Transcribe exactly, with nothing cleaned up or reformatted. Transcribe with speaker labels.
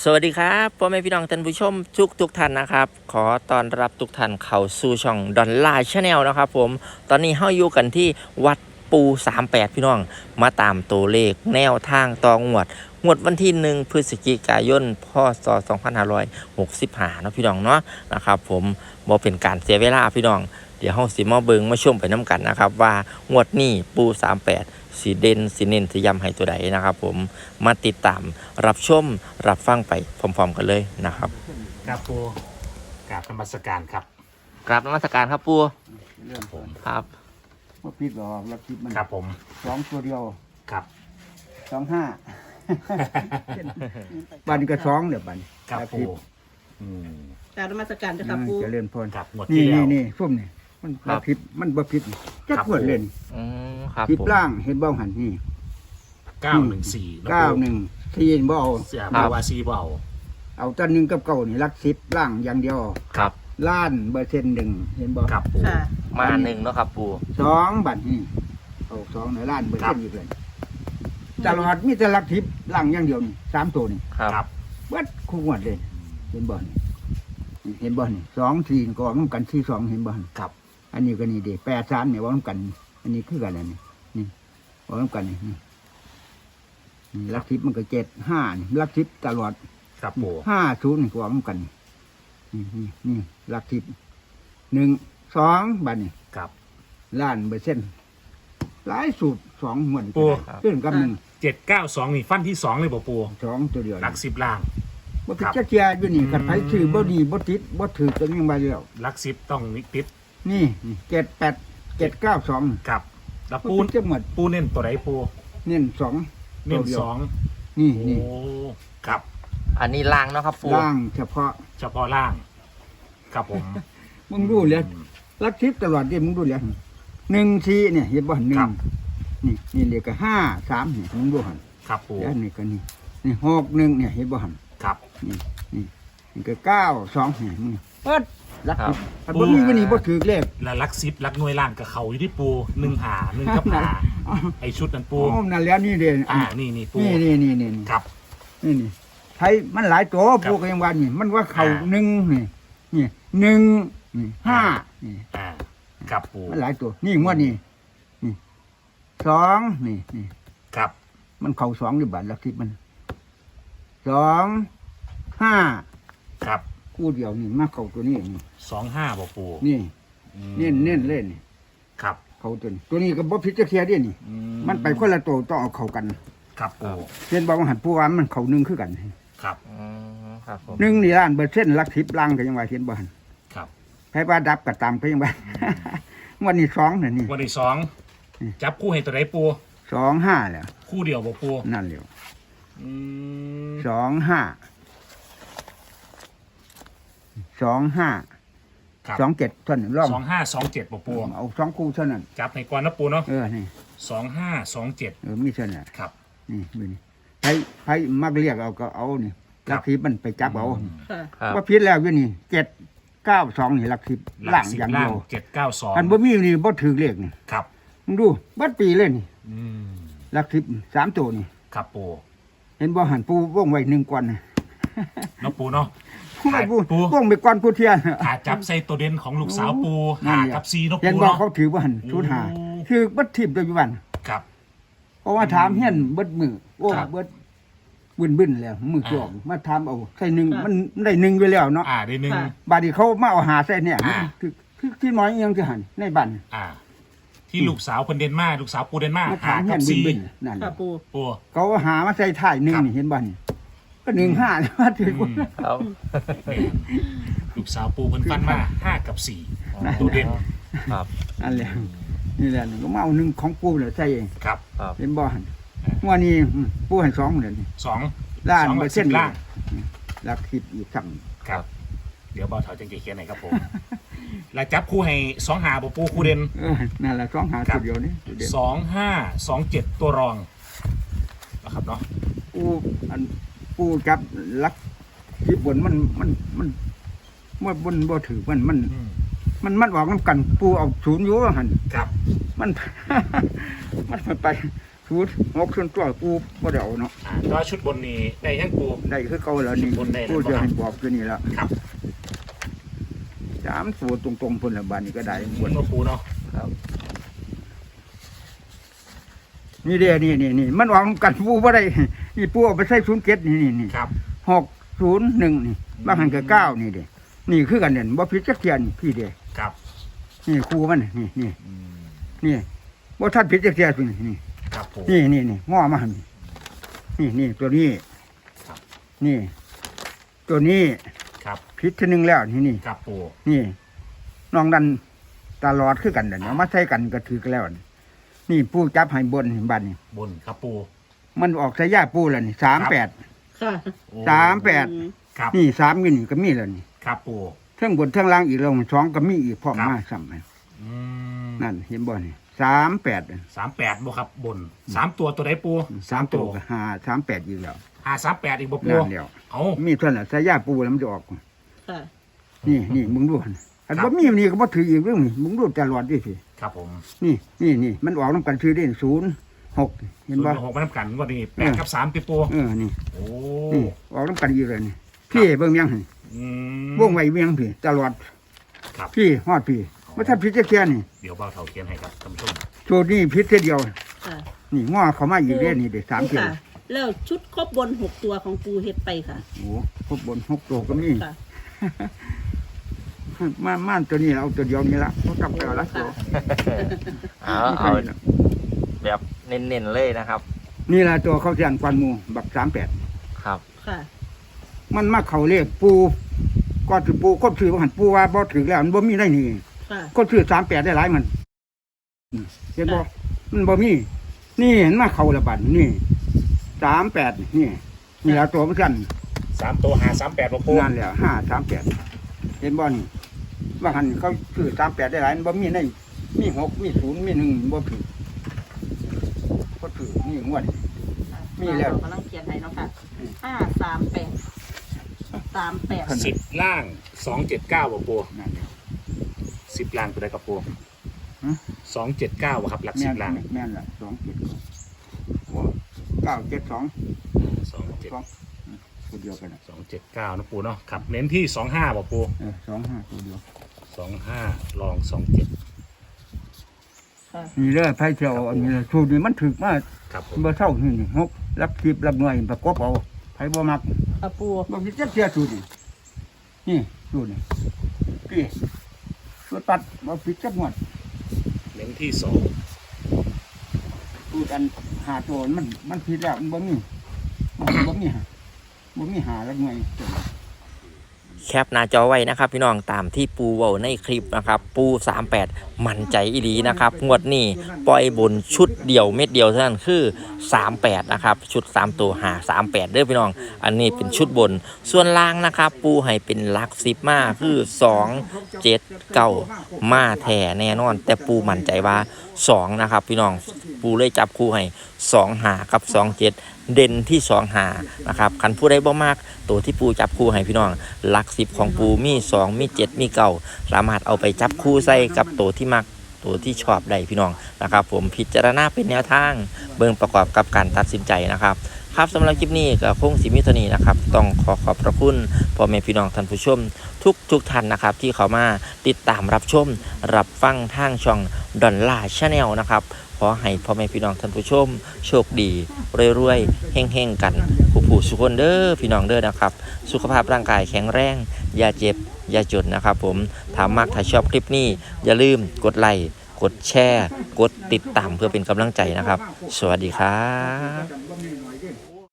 Speaker 1: สวัสดีครับพ่อแม่พี่น้องท่านผู้ชมทุกทุกท่านนะครับขอต้อนรับทุกท่านเข้าสู่ช่องดอนลาชาแนลนะครับผมตอนนี้เฮาอยู่กันที่วัดปูสามแปดพี่น้องมาตามตัวเลขแนวทางต่องวดงวดวันที่หนึ่งพฤศจิกายนพศสองพันห้าร้อยหกสิบห้าเนาะพี่น้องเนาะนะครับผมบ่เป็นการเสียเวลาพี่น้องเดี๋ยวเฮาสิมาเบิ่งมาชมไปน้ำกันนะครับว่างวดนี้ปูสามแปดสีเด่นสีเน้นสีย้ำให้ตัวใดนะครับผมมาติดตามรับชมรับฟังไปพร้อมๆกันเลยนะครับ
Speaker 2: ครับปูกราบธรรมสการครับ
Speaker 1: กราบนมัสการครับปู
Speaker 3: เรื่อง
Speaker 2: ผม
Speaker 1: ครับ
Speaker 3: ว่าพิษหรอกแล้วพิษมัน
Speaker 2: ครับผม
Speaker 3: สองตัวเดียว
Speaker 2: ครับ
Speaker 3: สองห้า บันก็สองเดี๋ยวบัน
Speaker 2: ครับ
Speaker 3: แล้ว
Speaker 2: ปู
Speaker 3: พิษ
Speaker 2: อืม
Speaker 4: กรารนมัสการจะครับปู
Speaker 3: จะเล่นพร
Speaker 2: ครับหมด
Speaker 3: นี่
Speaker 2: ที่แล้
Speaker 3: นี่
Speaker 2: ว
Speaker 3: นี่ส้มนี่มันบ่พิษมันบ่พิษจั
Speaker 2: ครั
Speaker 3: ก
Speaker 2: บ
Speaker 3: ขวดเล่น
Speaker 1: อืมครับ
Speaker 3: พิษ
Speaker 1: ผม
Speaker 3: ล่างเห็นเบ้าหันนี่
Speaker 2: เก้าหนึ่งสี่
Speaker 3: เก้าหนึ่งที่เห็นบ่เอา
Speaker 2: เสียบาวาซีเบา
Speaker 3: เอาตันหนึ่งกับเก้านี่รักสิบล่างอย่างเดียว
Speaker 1: ครับ
Speaker 3: ล้านเบอร์เซ็นต์หนึ่งเห็นบ่
Speaker 2: ครับปู
Speaker 4: ค่ะ
Speaker 1: มาหนึ่งเนาะครับปู
Speaker 3: สองบัตรนี่เอาสองในล้านเบอร์เซ็นต์อีกเลยตลอดมีแต่รักทิพย์ล่างอย่างเดียวนี่สามตัวนี่
Speaker 1: ครับ
Speaker 2: ครับ
Speaker 3: วัดคู่งวดเลยเห็นบ่นี่นี่เห็นบ่นี่สองสี่ก็ออกน้ำกันสี่สองเห็นบ่นี่
Speaker 2: ครับ
Speaker 3: อันนี้ก็นี่เด็แปดสามเนี่ยออกน้ำกัน อันนี้คือกันอันนี้นี่ออกน้ำกันนี่นี่นี่ลักทิพย์มันก็เจ็ดห้านี่ลักทิพย์ตลอด
Speaker 2: ครับปู
Speaker 3: ห้าศูนย์นี่ก็ออกน้ำกันนี่นี่นี่ลักทิพย์หนึ่งสองบัดนี่
Speaker 2: ครับ
Speaker 3: ล้านเปอร์เซ็นต์หลายสูตรสองเหมือน
Speaker 2: ปู
Speaker 3: ขึ้นกับหนึ่ง
Speaker 2: เจ็ดเก้าสองนี่ฟันที่สองเลยบ่ปู
Speaker 3: สองตัวเดียว
Speaker 2: หลักสิบล่าง
Speaker 3: บ่ผิด
Speaker 2: ครับ
Speaker 3: จักเจียอยู่นี่
Speaker 2: อืม
Speaker 3: กันไผชื่อบ่ดีบ่ติดบ่ถือกันยังไงแล้ว
Speaker 2: หลักสิบต้องนิติด
Speaker 3: นี่นี่เจ็ดแปดเจ็ดเก้าสอง
Speaker 2: ครับแล้ว
Speaker 3: ปู
Speaker 2: ปู
Speaker 3: จะหมด
Speaker 2: ปูเน้นตัวไหนปู
Speaker 3: เน้นสอง
Speaker 2: เน้น
Speaker 3: ตัวดียว
Speaker 2: สอง
Speaker 3: นี่
Speaker 2: โอ้
Speaker 3: นี่
Speaker 2: ครับ
Speaker 1: อันนี้ล่างเนาะครับปู
Speaker 3: ล่างเฉพาะ
Speaker 2: เฉพาะล่าง ครับผม
Speaker 3: มึงดูเลย
Speaker 2: อืม
Speaker 3: รักทิพย์ตลอดดิมึงดูเลยหนึ่งสี่เนี่ยเห็นบ่หนึ่
Speaker 2: ครั
Speaker 3: ง
Speaker 2: บ
Speaker 3: นี่นี่เลขก็ห้าสามเนี่ยมึงดูหัน
Speaker 2: ครับปู
Speaker 3: แล้วนี่ก็นี่นี่หกหนึ่งเนี่ยเห็นบ่หัน
Speaker 2: ครับ
Speaker 3: นี่นี่นี่ก็เก้าสองเนี่ยมึงเปิดรัก
Speaker 1: ครับ
Speaker 3: ทิพย์อันบ่มีวันนี้บ่ถือเลข
Speaker 2: แล้วหลักสิบหลักหน่วยล่างกับเขาอยู่ที่ปูหนึ่งหาหนึ่งกับหาไอชุดนั้นปู
Speaker 3: โอ้นั่นแล้วนี่เด่น
Speaker 2: อ่านี่นี่ปู
Speaker 3: นี่นี่นี่นี่นี่
Speaker 2: ครับ
Speaker 3: นี่นี่ไทยมันหลายตัว
Speaker 2: ครับ
Speaker 3: พวกยังวันนี่มันว่าเขา
Speaker 2: อ่า
Speaker 3: หนึ่งนี่นี่หนึ่งนี่ห้านี่
Speaker 2: อ่าครับปู
Speaker 3: มันหลายตัว นี่งวดนี่นี่สองนี่นี่
Speaker 2: ครับ
Speaker 3: มันเข่าสองอยู่บาทลักทิพย์มันสองห้า
Speaker 2: ครับ
Speaker 3: คู่เดียวนี่มาเข่าตัวนี้นี่
Speaker 2: สองห้าบ่ปู
Speaker 3: นี่
Speaker 2: อืม
Speaker 3: เน้นเน้นเล่นนี่
Speaker 2: ครับ
Speaker 3: เข่าตัวนี้ตัวนี้ก็บ่พิจารณาเดียนี่
Speaker 2: อื
Speaker 3: มันไปคนละตัวต้องเอาเข่ากัน
Speaker 2: ครับปู
Speaker 3: เช่นบอกว่าหันผู้ว่ามันเข่าหนึ่งคือกัน
Speaker 2: ครับ
Speaker 1: อืมครับผม
Speaker 3: หนึ่งนี่ล้านเปอร์เซ็นต์ลักทิพย์ล่างก็ยังว่าเห็นบ่หัน
Speaker 2: ครับ
Speaker 3: ให้ว่าดับก็ตามก็ยังว่า วันนี้สองน่ะนี่
Speaker 2: วันที่สองจับคู่ให้ตัวไหนปู
Speaker 3: สองห้าแล้ว
Speaker 2: คู่เดียวบ่ปู
Speaker 3: นั่นเร็ว
Speaker 2: อืม
Speaker 3: สองห้าสองห้า
Speaker 2: ครับ
Speaker 3: สองเจ็ดเท่านั้นร่อง
Speaker 2: สองห้าสองเจ็ดบ่ปู
Speaker 3: เอาสองคู่เท่านั้น
Speaker 2: จับในก่อนนะปูเนาะ
Speaker 3: เออนี่
Speaker 2: สองห้าสองเจ็ด
Speaker 3: เออมีเท่านั้น
Speaker 2: ครับ
Speaker 3: นี่ดูนี่ใครใครมักเรียกเอาก็เอานี่
Speaker 2: ครั
Speaker 3: ลั
Speaker 2: บ
Speaker 3: กทิพย์มันไปจับเอา
Speaker 2: อืม
Speaker 4: ค่ะ
Speaker 1: ครับ
Speaker 3: ว่าพิษแล้วอยู่นี่เจ็ดเก้าสองนี่ลักทิพย์
Speaker 2: หลั
Speaker 3: ล่าก ง
Speaker 2: สิบ
Speaker 3: อย่าง
Speaker 2: ล่า
Speaker 3: เดี
Speaker 2: ง
Speaker 3: ยว
Speaker 2: เจ็ดเก้าสอง
Speaker 3: อันบ่มีนี่บ่ถือเลขนี่
Speaker 2: ครับ
Speaker 3: มึงดูบัดปีเลยนี่
Speaker 2: อืม
Speaker 3: ลักทิพย์สามตัวนี่
Speaker 2: ครับปู
Speaker 3: เห็นบ่หันปูว่องไว้หนึ่งก่อนนะ
Speaker 2: เนาะปูเนาะ
Speaker 3: ผู้ไม่ปู
Speaker 2: ปู
Speaker 3: ว่องไปก่อนผู้เทียน
Speaker 2: ขาจับใส่ตัวเด่นของลูกสาวปู
Speaker 3: นั่
Speaker 2: หาน
Speaker 3: แหละ
Speaker 2: กับซีเนาะ
Speaker 3: เห็น
Speaker 2: ปู
Speaker 3: บ่
Speaker 2: เนาะ
Speaker 3: เขาถือว่าหันชุดหา
Speaker 2: โอ้
Speaker 3: คือบัดทิพย์ปัจจุบัน
Speaker 2: ครับ
Speaker 3: เพราะว่าถามเฮียนเบิดมือโอ้
Speaker 2: ครับ
Speaker 3: เบิดบึนบึนๆแล้วมือจอก
Speaker 2: อ่า
Speaker 3: มาถามเอาใส่หนึ่ง
Speaker 4: ครับ
Speaker 3: มันได้หนึ่งอยู่แล้วเนาะ
Speaker 2: อ่าได้หนึ่ง
Speaker 4: ค่ะ
Speaker 3: บาดนี้เขามาเอาหาใส่เนี่ย
Speaker 2: อ่า
Speaker 3: คือคือที่น้อยอิหยังจะหันในบ้าน
Speaker 2: อ่า ที่ลูกสาวคนเดนมาร์กลูกสาวปูเดนมาร์ก
Speaker 3: มา
Speaker 2: หา
Speaker 3: ถามเฮี
Speaker 2: กั
Speaker 3: ย
Speaker 2: บ
Speaker 3: นบึ
Speaker 2: ซี
Speaker 3: นบึนๆนั่น
Speaker 4: ค่ะปู
Speaker 2: ปู
Speaker 3: เขาหามาใส่ถ่ายหนึ่ง
Speaker 2: ครับ
Speaker 3: นี่เห็นบ้านก็หนึ่งห้ามาถือ
Speaker 2: อื
Speaker 3: ว่าม
Speaker 1: ครับ
Speaker 2: ลูกสาวปูเพิ่นฟันมาห้ากับสี่ตัวเด่น
Speaker 1: ครับ
Speaker 3: อันแหละนี่แหละก็มาเอาหนึ่งของปูเลยใส่เอง
Speaker 2: ครับ
Speaker 1: ครับ
Speaker 3: เห็นบ่หันว่านี่อืมปูให้สองเลยนี่
Speaker 2: สอง
Speaker 3: ล้าน
Speaker 2: สอง
Speaker 3: เป
Speaker 2: กั
Speaker 3: อบ ร์
Speaker 2: สิ
Speaker 3: เซ็น
Speaker 2: บ
Speaker 3: ต์
Speaker 2: ล่าง
Speaker 3: ลักทิพย์อีกสั่ง
Speaker 2: ครับ เดี๋ยวเบาเถาจังเกียนหน่อยครับผม แล้วจับคู่ให้สองหาบ่ปูคู่เด่น
Speaker 3: เออนั่นแหละสองหา
Speaker 2: ครั
Speaker 3: ตั
Speaker 2: บ
Speaker 3: วเดียวนี่ตัวเดียว
Speaker 2: สองห้าสองเจ็ดตัวรองนะครับเนาะ
Speaker 3: ปูอันปูจับลักที่บนมันมันมันมันบนบ่ถือมันมัน
Speaker 2: อืม
Speaker 3: มันมันออกน้ำกันปูเอาศูนย์อยู่ว่าหัน
Speaker 2: ครับ
Speaker 3: มัน มันไปศูศูนย์หกส่วนตัวปูบ่ได้เอาเนาะ
Speaker 2: อ่าก็ชุดบนนี้ได้ยังปู
Speaker 3: ได้คือเก่าแล้วนี่
Speaker 2: บนได้แล้ว
Speaker 3: ปูจะให้บอกตัวนี้ละ
Speaker 2: ครับ
Speaker 3: สามตัวตรงๆพุ่นละบานนี้ก็ได้
Speaker 2: บนมาปูเนาะ
Speaker 3: ครับนี่เด้นี่นี่นี่มันออกกันปูบ่ได้นี่ปูเอาไปใส่ศูนย์เจ็ดนี่นี่นี่
Speaker 2: ครับ
Speaker 3: หกศูนย์หนึ่งนี่บางหันก็เก้านี่เด้นี่คือกันเนี่ยบ่ผิดจักเทียนพี่เด้
Speaker 2: ครับ
Speaker 3: นี่ครูมันนี่นี่
Speaker 2: อืม
Speaker 3: นี่บ่ทันผิดจักเทียนพี่นี่นี่
Speaker 2: ครับปู
Speaker 3: นี่นี่นี่ง้อมาหั่นนี่นี่ตัวนี้
Speaker 2: ครับ
Speaker 3: นี่ ตัวนี้
Speaker 2: ครับ
Speaker 3: ผิดทีหนึงแล้วนี่นี่
Speaker 2: ครับปู
Speaker 3: นี่น้องดันตลอดคือกันเดี๋ยวเอามาใช้กันก็ถือกันแล้วนี่นี่ปูจับให้บนบัดนี่
Speaker 2: บนครับปู
Speaker 3: มันออกสายยาปูแล้วนี่สามแปด
Speaker 4: ค่ะ
Speaker 2: โอ้
Speaker 3: สามแปด
Speaker 2: ครับ
Speaker 3: นี่สามอยู่นี่ก็มีแล้วนี่
Speaker 2: ครับปู
Speaker 3: เทั้งบนเทั้งล่างอีกแล้วสองก็มีอีกพร้อม
Speaker 2: ครับ
Speaker 3: มาซ้ำให้
Speaker 2: อืม
Speaker 3: นั่นเห็นบ่นี่สามแปด
Speaker 2: สามแปดบ่ครับบนสามตัวตัวไหนปู
Speaker 3: สามตัวก็ห้าสามแปดอีกแล้ว
Speaker 2: ห้าสามแปดอีกบ่ปู
Speaker 3: นั่นเดียว
Speaker 2: เอา
Speaker 3: มีเท่านั้นสายยาปูแล้วมันจะออก
Speaker 4: ค่ะ
Speaker 3: นี่นี่มึงดูหั่นอันบ่มีนี่ก็บ่ถืออีกเรื่องนี่มึงดูตลอดดิสิ
Speaker 2: ครับผม
Speaker 3: นี่นี่นี่มันออกน้ำกันชื่อได้ศูนย์หกเห็น
Speaker 2: ศูน
Speaker 3: บ่
Speaker 2: ย์หกมาทำกันวันนี้แปดกับสามติปู
Speaker 3: เออนี่
Speaker 2: โอ้
Speaker 3: นี่ออกน้ำกันอีกเลยนี่พี่เบิ่งยังหั่น
Speaker 2: อืม
Speaker 3: วงไว้เวียงพี่ตลอด
Speaker 2: ครับ
Speaker 3: พี่ฮอดพี่ว่าถ้าพิษจะแค่นี่
Speaker 2: เดี๋ยวเบาเท่าเทียนให้ครับท่านผู้ชม
Speaker 3: โชดนี่พิษแค่เดียว
Speaker 4: ค่ะ
Speaker 3: นี่ง้อเขามาอีกเด้นี่เด็สาม
Speaker 4: ปู
Speaker 3: เกียว
Speaker 4: ค่ะ แล้วชุดครบบนหกตัวของปูเฮ็ดไปค่ะ
Speaker 3: โอ้ครบบนหกตัวก็มี
Speaker 4: ค่ะ
Speaker 3: มาม่านตัวนี้เอาตัวเดียวนี่ละเขากลับไปเอาละตัว
Speaker 1: เอาเอาแบบเน้นๆเลยนะครับ
Speaker 3: นี่ละตัวเขาเสียงควันหมูบักสามแปด
Speaker 1: ครับ
Speaker 4: ค่ะ
Speaker 3: มันมาเขาเรียกปูก็ถือปูก็ถือว่าหันปูว่าบ่ถือแล้วมันบ่มีได้นี่
Speaker 4: ค่ะ
Speaker 3: ก็ถือสามแปดได้หลายมันอืมเห็นบ่มันบ่มี นี่เห็นมาเขาละบัดนี่สามแปดนี่นี่ละตัวมันกัน
Speaker 2: สามตัวหาสามแปดบ่ปู
Speaker 3: นั่นแหละห้าสามแปดเห็นบ่นี่ว่าหันเขาถือสามแปดได้หลายมันบ่มีในมีหกมีศูนย์มีหนึ่งบ่ถือก็ถือนี่งวด มีแล้ว
Speaker 4: กำลังเขียนให้เนาะค่ะห้าสามแปดสามแปด
Speaker 2: สิบล่างสองเจ็ดเก้าบ่ปู
Speaker 3: นั่นแหละ
Speaker 2: สิบล่างตัวใดกับปู
Speaker 3: ฮะ
Speaker 2: สองเจ็ดเก้าครับหลัก
Speaker 3: แม่
Speaker 2: สิ
Speaker 3: น
Speaker 2: บล่าง
Speaker 3: แม่นละสองเจ็ดเก้าเจ็ดสอง
Speaker 2: สองเจ็ด
Speaker 3: สองตัวเดียวกันน่ะ
Speaker 2: สองเจ็ดเก้านะปูเนาะครับเน้นที่สองห้าบ่ปู
Speaker 3: เออสองห้าตัวเดียว
Speaker 2: สองห้าลองสองเจ็ด
Speaker 4: ค่ะ
Speaker 3: นี่เลยไพ่เที่ยวอันนี้เลยสูตรนี้มันถึกมาก
Speaker 2: ครับผม
Speaker 3: เบอร์เท่านี่นี่หกรับคลิปรับหน่วยประกอบเอาไพ่บ่มัก
Speaker 4: ค่ะปู
Speaker 3: บ่คิดจะเสียสูตรนี่นี่สูตรนี่พี่สูตรตัดบ่ผิดจักหมด
Speaker 2: เน้นที่สอง
Speaker 3: สูตรอันหาตัวมันมันผิดแล้วมันบ่มีบ่มีบ่มีหาบ่มีหารับหน่วย
Speaker 1: แคปหน้าจอไว้นะครับ พี่น้องตามที่ปูเว้าในคลิปนะครับ ปูสามแปดมั่นใจอีหลีนะครับงวดนี้ปล่อยบนชุดเดียวเม็ดเดียวเท่านั้นคือสามแปดนะครับชุดสามตัวหาสามแปดเด้อพี่น้อง อันนี้เป็นชุดบนส่วนล่างนะครับ ปูให้เป็นหลักสิบมาคือสองเจ็ดเก้ามาแท้แน่นอน แต่ปูมั่นใจว่าสองนะครับ พี่น้องปูเลยจับคู่ให้สองหากับสองเจ็ดเด่นที่สองหานะครับคันผู้ใดบ่มากตัวที่ปูจับคู่ให้พี่น้องหลักสิบของปูมีสองมีเจ็ดมีเก้าสามารถเอาไปจับคู่ใส่กับตัวที่มักตัวที่ชอบได้พี่น้องนะครับ ผมพิจารณาเป็นแนวทางเบิ่งประกอบกับการตัดสินใจนะครับครับสำหรับคลิปนี้ก็คงสิมีเท่านี้นะครับต้องขอขอบพระคุณพ่อแม่พี่น้องท่านผู้ชมทุกทุกท่านนะครับที่เขามาติดตามรับชมรับฟังทางช่องดอนล่าชาแนลนะครับขอให้พ่อแม่พี่น้องท่านผู้ชมโชคดีรวยๆเฮงๆกันผู้ผู้สุขคนเด้อพี่น้องเด้อนะครับสุขภาพร่างกายแข็งแรงอย่าเจ็บอย่าจนนะครับผมถ้ามากถ้าชอบคลิปนี้อย่าลืมกดไลค์กดแชร์กดติดตามเพื่อเป็นกำลังใจนะครับสวัสดีครับ